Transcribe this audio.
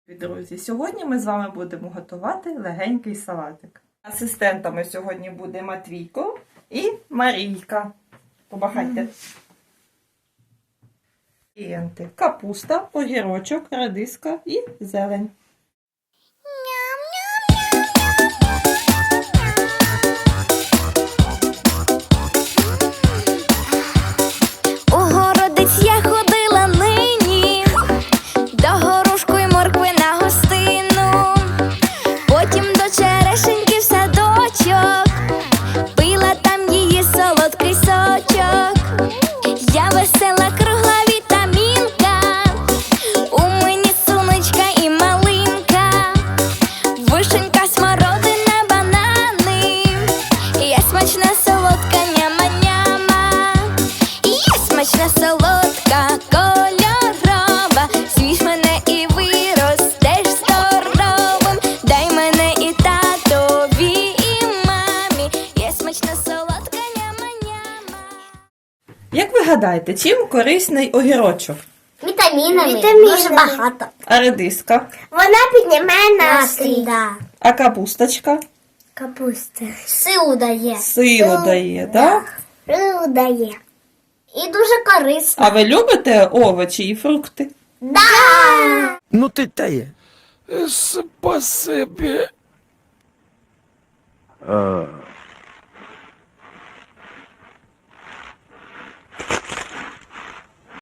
Друзі, сьогодні ми з вами будемо готувати легенький салатик. Асистентами сьогодні буде Матвійко і Марійка. Помахайте. Інгредієнти: капуста, огірочок, редиска і зелень. У городець я ходила нині, до горошку й моркви на гостину, потім до черешеньки в садочок, пила там її солодкий сочок. Я весела, кругла вітамінка, у мені сонечка і малинка, вишенька, смородина, банани, я смачна, солодка, няма-няма. Я смачна, солодка, кольорова, з'їж мене і виростеш здоровим. Дай мене і татові, і мамі, я смачна, солодка, няма-няма. Як ви гадаєте, чим корисний огірочок? Вітамінами. Дуже багато. А редиска? Вона піднімає настрій. А капусточка? Капуста. Силу дає. Силу дає, так? Силу дає. І дуже корисно. А ви любите овочі і фрукти? Да! Ну ти тає. Спасибі.